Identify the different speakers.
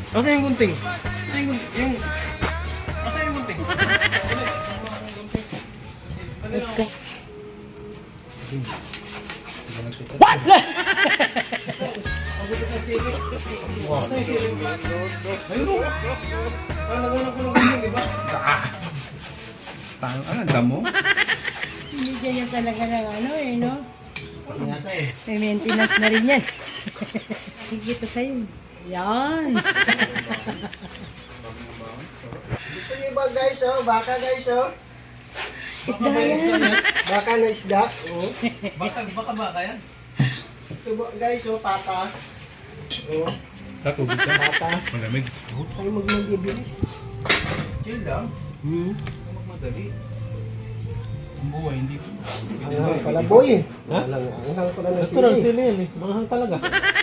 Speaker 1: Asa yung gunting? Asa yung gunting? Asa yung gunting?
Speaker 2: What?
Speaker 1: Asa yung siling? Ayun o. Nagawa ko ng gunting, di ba?
Speaker 3: Ano, damo?
Speaker 2: Hindi ganyan talaga ng ano eh, no? May maintenance na rin yan. Higit to sa'yo. Yan.
Speaker 4: Gusto niyo ba guys, oh? Baka guys, oh?
Speaker 2: Isda yan.
Speaker 4: Baka na isda. Oh.
Speaker 1: Baka yan?
Speaker 4: Ito ba, guys, oh, pata. Oh,
Speaker 3: Tatubig ka?
Speaker 4: pata.
Speaker 3: Malamig.
Speaker 4: Tayo magbibilis.
Speaker 1: Chill lang. Huwag magmadali. Ang buhay, hindi ko.
Speaker 4: Ang pala boy. Ha? Ang ko lang ng
Speaker 1: Ito lang
Speaker 4: sili.
Speaker 1: sili yan eh. Manghang talaga.